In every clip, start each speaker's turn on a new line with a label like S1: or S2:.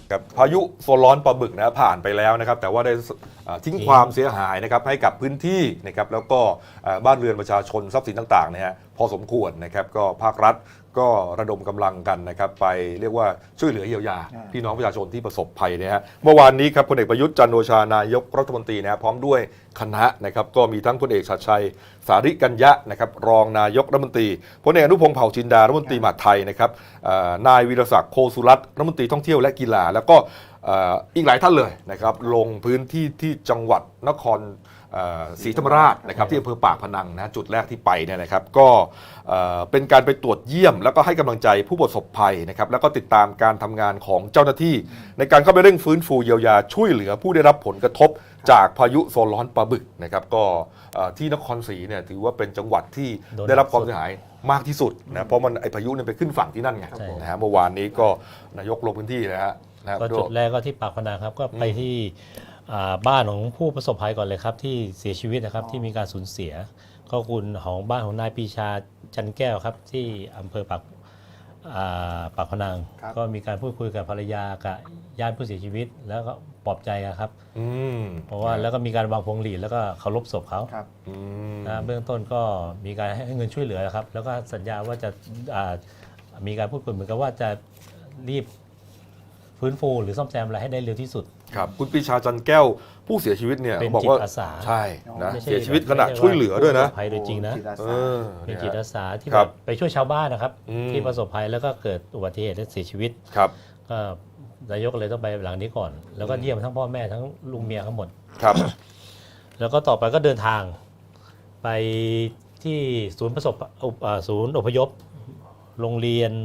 S1: กับพายุโซนร้อนปลาบึกนะผ่านไปแล้วนะครับแต่ว่าได้ทิ้งความเสียหายนะครับให้กับพื้นที่นะครับแล้วก็บ้านเรือนประชาชนทรัพย์สินต่างๆนะฮะพอสมควรนะครับก็ภาครัฐก็ระดมกำลังกันนะครับไปเรียกว่าช่วยเหลือเยียวยาพี่น้องประชาชนที่ประสบภัยนะฮะเมื่อวานนี้ครับพลเอกประยุทธ์จันทร์โอชานายกรัฐมนตรีนะพร้อมด้วยคณะนะครับก็มีทั้งพลเอกชัดชัยสาริกัญญะนะครับรองนายกรัฐมนตรีพลเอกอนุพงษ์เผ่าจินดารัฐมนตรีมหาดไทยนะครับนายวีรศักดิ์โคสุรัตน์รัฐมนตรีท่องเที่ยวและกีฬาแล้วก็อีกหลายท่านเลยนะครับลงพื้นที่ที่จังหวัดนครศรีธรรมราชนะครับที่อำเภอปากพนังนะจุดแรกที่ไปเนี่ยนะครับก็เป็นการไปตรวจเยี่ยมแล้วก็ให้กำลังใจผู้ประสบภัยนะครับแล้วก็ติดตามการทำงานของเจ้าหน้าที่ในการเข้าไปเร่งฟื้นฟูเยียวยาช่วยเหลือผู้ได้รับผลกระทบจากพายุโซนร้อนปลาบึกนะครับก็ที่นครศรีเนี่ยถือว่าเป็นจังหวัดที่ได้รับความเสียหายมากที่สุดนะเพราะมันไอพายุเนี่ยไปขึ้นฝั่งที่นั่นไงนะฮะเมื่อวานนี้ก็นายกลงพื้นที่นะฮะ
S2: ก็จุดแรกก็ที่ปากพนังครับก็ไปที่บ้านของผู้ประสบภัยก่อนเลยครับที่เสียชีวิตนะครับที่มีการสูญเสียก็คุณของบ้านของนายปีชาจันแก้วครับที่อำเภอปากพนังก็มีการพูดคุยกับภรรยากับญาติผู้เสียชีวิตแล้วก็ปลอบใจกันครับเพราะว่าแล้วก็มีการวางพวงหลีดแล้วก็เคารพศพเขานะเบื้องต้นก็มีการให้เงินช่วยเหลือครับแล้วก็สัญญาว่าจะมีการพูดคุยเหมือนกับว่าจะรีบฟื้นฟูหรือซ่อมแซมอะไรให้ได้เร็วที่สุด
S1: ครับคุณปีชาจันแก้วผู้เสียชีวิตเนี่ยบอกว่าใช่นะเสียชีวิตขณะช่วยเหลือด้วยนะ
S2: ภัยโดยจริงนะเป็นจิตอาสาที่แบบไปช่วยชาวบ้านนะครับที่ประสบภัยแล้วก็เกิดอุบัติเหตุและเสียชีวิต
S1: ครับ
S2: ก็นายกเลยต้องไปหลังนี้ก่อนแล้วก็เยี่ยมทั้งพ่อแม่ทั้งลุงเมียทั้งหมด
S1: ครับ
S2: แล้วก็ต่อไปก็เดินทางไปที่ศูนย์อพยพโรงเรียน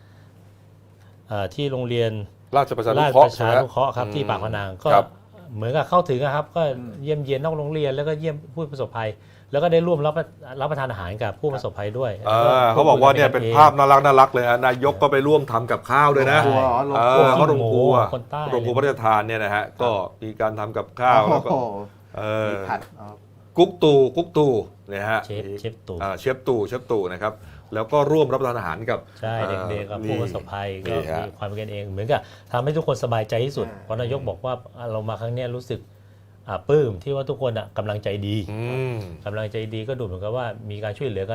S2: ที่โรงเรียน
S1: ราชประชานุเคราะ
S2: ห์ครับที่ปากพนังก็เหมือนกับเข้าถึงครับก็เยี่ยมเยียนนอกโรงเรียนแล้วก็เยี่ยมผู้ประสบภัยแล้วก็ได้ร่วมรับประทานอาหารกับผู้ประสบภัยด้วย
S1: เขาบอกว่าเนี่ยเป็นภาพน่ารักเลยนะนายกก็ไปร่วมทำกับข้าวด้วยนะเขาโรงครัวพระราชทานเนี่ยนะฮะก็มีการทำกับข้าวแล้วก็
S3: ผัด
S1: กุ๊กตู่เนี่ยฮะ
S2: เชฟ
S1: ตู่นะครับแล้วก็ร่วมรับประทานอาหารกับ
S2: ใช่เด็กๆกับผู้ประสบภัยก็มีความเป็นกันเองเหมือนกับทำให้ทุกคนสบายใจที่สุดเพราะนายกบอกว่าเรามาครั้งนี้รู้สึกปลื้มที่ว่าทุกคนกำลังใจดีก็ดูเหมือนกับว่ามีการช่วยเหลือกัน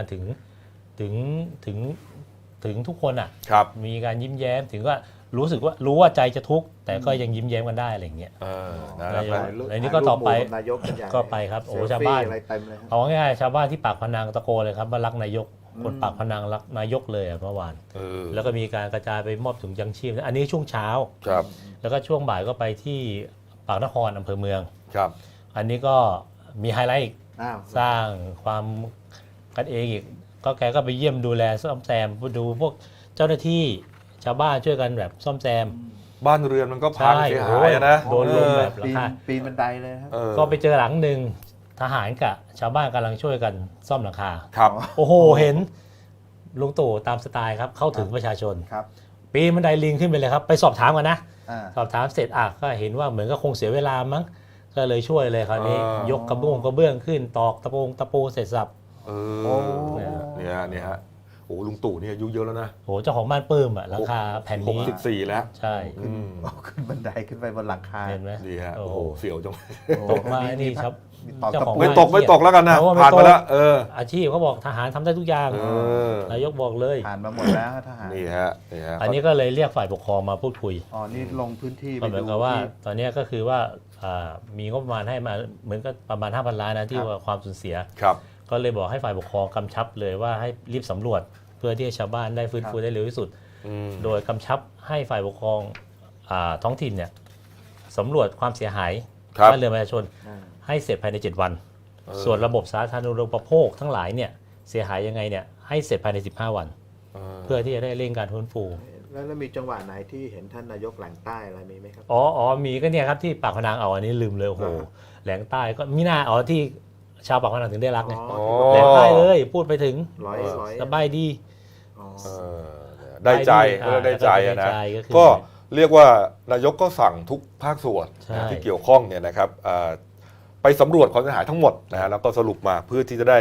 S2: ถึงทุกคนมีการยิ้มแย้มถึงว่ารู้ว่าใจจะทุกข์แต่ก็ยังยิ้มแย้มกันได้อะไรอย่างเงี้ยในนี้ก็ต่อไปก็ไปครับโอ้ชาวบ้านเอาง่ายๆชาวบ้านที่ปากพนังตะโกนเลยครับว่ารักนายกคนปากพนังรักนายกเลยเมื่อวานแล้วก็มีการกระจายไปมอบถุงยังชีพอันนี้ช่วงเช้าแล้วก็ช่วงบ่ายก็ไปที่ปากนครอำเภอเมืองอันนี้ก็มีไฮไลท์อีกสร้างความกันเองอีกก็แกก็ไปเยี่ยมดูแลซ่อมแซมดูพวกเจ้าหน้าที่ชาวบ้านช่วยกันแบบซ่อมแซม
S1: บ้านเรือนมันก็พังเสียหายนะ
S2: โดนลมแบบราคา
S3: ปีนบันไดเลยครับ
S2: ก็ไปเจอหลังหนึ่งทหารกับชาวบ้านกำลังช่วยกันซ่อมหลังคา
S1: ครับ
S2: โอ้โหเห็นลุงตู่ตามสไตล์ครับเข้าถึงประชาชนปีนบันไดลิงขึ้นไปเลยครับไปสอบถามกันนะสอบถามเสร็จก็เห็นว่าเหมือนก็คงเสียเวลามั้งก็เลยช่วยเลยคราวนี้ยกกระเบื้องขึ้นตอกตะปูเสร็จสับ
S1: เนี่ยฮะโอ้ลุงตู่เนี่ยอายุเยอะแล้วนะ
S2: โอ้เจ้าของบ้านปื้มราคาแผ่นนี้
S1: 64แล้ว
S2: ใช่
S3: ขึ้นบันไดขึ้นไปบนหลังคา
S2: เห็นไหม
S1: ดีฮะโอ้โหเสียวจัง
S2: ตกมานี่ครับ
S1: เจ้าของไม่ตกแล้วกันนะผ่านมาแล้ว
S2: อาชีพเขาบอกทหารทำได้ทุกอย่างนายกบอกเลย
S3: ผ่านมาหมดแล้วทหาร
S1: นี่ฮะ
S2: อันนี้ก็เลยเรียกฝ่ายปกครองมาพูดคุย
S3: นี่ลงพื้นที่
S2: เหมือนกับว่าตอนนี้ก็คือว่ามีงบประมาณให้มาเหมือนกับประมาณ 5,000 ล้านนะที่ว่าความสูญเสียก็เลยบอกให้ฝ่ายปกครองกำชับเลยว่าให้รีบสำรวจเพื่อที่ชาวบ้านได้ฟื้นฟูได้เร็วที่สุดโดยกำชับให้ฝ่ายปกครองท้องถิ่นเนี่ยสำรวจความเสียหายบ้านเรือนประชาชนให้เสร็จภายใน7 วันส่วนระบบสาธารณูปโภคทั้งหลายเนี่ยเสียหายยังไงเนี่ยให้เสร็จภายใน15 วันเพื่อที่จะได้เร่งการฟื้นฟู
S3: แล้วมีจังหวะไหนที่เห็นท่านนายกแหลงใต้อะไรมีไหมครับ
S2: มีก็เนี่ยครับที่ปากพนังอันนี้ลืมเลยโอ้โหแหลงใต้ก็มีหน้าที่ชาวปากพนังถึงได้รักไงแหลงใต้เลยพูดไปถึงสบายดี
S1: ได้ใจนะก็เรียกว่านายกก็สั่งทุกภาคส่วนที่เกี่ยวข้องเนี่ยนะครับไปสำรวจความเสียหายทั้งหมดนะฮะแล้วก็สรุปมาเพื่อที่จะได้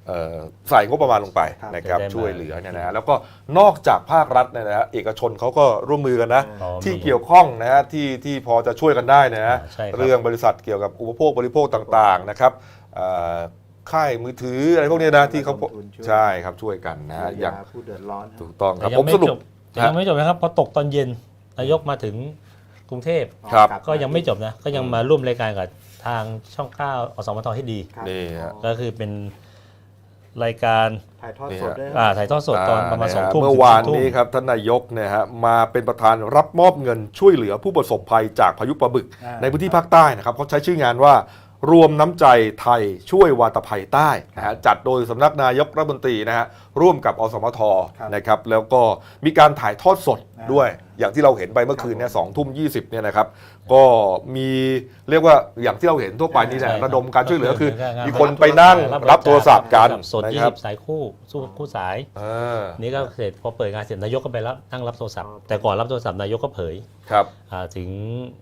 S1: ใส่งบประมาณลงไป
S3: ครับ
S1: นะครับ
S2: จะได้มา
S1: ช่วยเหลือเนี่ยนะฮะแล้วก็นอกจากภาครัฐเนี่ยนะฮะเอกชนเขาก็ร่วมมือกันนะ
S2: อ๋อ
S1: ที่
S2: มี
S1: เกี่ยวข้องนะฮะที่พอจะช่วยกันได้นะฮะ
S2: ใช่ครับ
S1: เรื่องบริษัทเกี่ยวกับอุปโภคบริโภคต่างๆนะครับค่ายมือถืออะไรพวกนี้นะที่เขา
S3: ระดมทุนช่วย
S1: ใช่ครับช่วยกันนะฮะ
S3: เยี
S1: อย ย่าง
S3: ผู้เดือดร้อนฮะ
S1: ถูกต้องครับ
S2: แต่ยั
S1: ผม
S2: ไม่
S1: สรุ
S2: จ
S1: ป
S2: บแต่ยังไม่จบนะครับพอตกตอนเย็นนายกมาถึงกรุงเทพ
S1: ครับ
S3: กลับ
S2: ก็ยังไม่จบนะก็ยังมาร่วมรายการกับทางช่อง 9 อสมทให้ดี
S3: ครับ
S1: นี่ฮะ
S2: ก็คือเป็นรายการ
S3: ถ่ายทอดสดด้วย
S2: ถ่ายทอดสดตอนประมาณ
S1: นะ
S2: 2
S1: ฮะ
S2: ทุ่ม
S1: เมื่อวานนี้ครับท่านนายกเนี่ยฮะมาเป็นประธานรับมอบเงินช่วยเหลือผู้ประสบภัยจากพายุปลาบึก ในพื้นที่ภาคใต้นะครับเขาใช้ชื่องานว่ารวมน้ำใจไทยช่วยวาตภัยใต้นะฮะจัดโดยสำนักนายกรัฐมนตรีนะฮะร่วมกับอสมทนะครับแล้วก็มีการถ่ายทอดสดด้วย อย่างที่เราเห็นไปเมื่อคืนเนี่ย2:20เนี่ยนะครับก็มีเรียกว่าอย่างที่เราเห็นทั่วไปนี่แหละ
S2: ใช่ครับ
S1: ระดมการช่วยเหลือคือ
S2: ก็คือ
S1: มีคนไปนั่งรับโทรศัพท์กัน
S2: สด
S1: นะครับ
S2: 20 สายคู่สาย
S1: เออ
S2: นี่ก็เสร็จพอเปิดงานเสร็จนายกก็ไปนั่งรับโทรศัพท์แต่ก่อนรับโทรศัพท์นายกก็เผย
S1: ครับ
S2: ถึง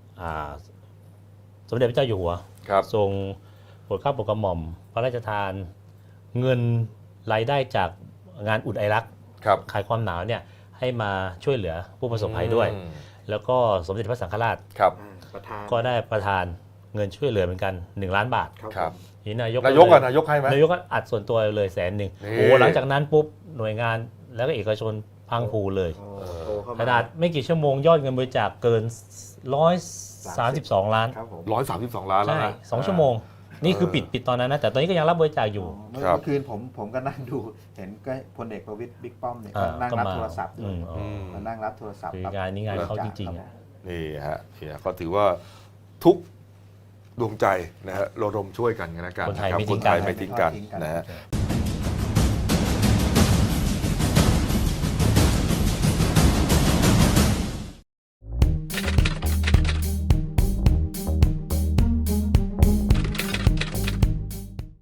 S2: สมเด็จพระเจ้าอยู่หัว
S1: ครับ
S2: ทรงโปรดเกล้าโปรดกระหม่อมพระราชทานเงินรายได้จากงานอุ่นไอรัก
S1: ครับ
S2: คลายความหนาวเนี่ยให้มาช่วยเหลือผู้ประสบภัยด้วย
S1: อืม
S2: แล้วก็สมเด็จพระสังฆราช
S1: ครับ
S3: ประธาน
S2: ก็ได้ประทานเงินช่วยเหลือเหมือนกัน1 ล้านบาท
S1: ครับ
S2: นี่นายก
S1: นายก
S2: เล
S1: นายกให้ไหม
S2: นายกก็อัดส่วนตัวเลย100,000
S1: นี่
S2: โอ้หลังจากนั้นปุ๊บหน่วยงานแล้วก็เอกชนพังผูเลย
S3: โทรเข้า
S2: ข
S3: มา
S2: นาดไม่กี่ชั่วโมงยอดเงินบริจาคเกิน132 ล้าน
S3: ครับผม
S1: 132 ล้านแล้ว
S2: ใช่
S1: นะ
S2: 2 ชั่วโมง นี่คือปิดตอนนั้นนะ แต่ตอนนี้ก็ยังรับบริจาคอยู่
S3: เมื่อ
S1: ครับ
S3: คืนผมก็นั่งดูเห็นก็พลเอกประวิตรบิ๊กป้อมเนี่ย
S2: อ่า
S3: ก็นั่ง
S2: ก็
S3: รับ
S2: มา
S3: โทรศัพท์ด้วย มานั่งรับโทรศัพท์
S2: คืองานนี้งานเขาจริงๆอะ
S1: นี่ฮะเนี่ยก็ถือว่าทุกดวงใจนะฮะระดมช่วยกันนะกัน
S2: คนไทย
S1: ะรับ
S2: ไม่ทิ้ง
S1: คนไทย
S2: กัน
S1: ไม่ทิ้งกันนะฮะ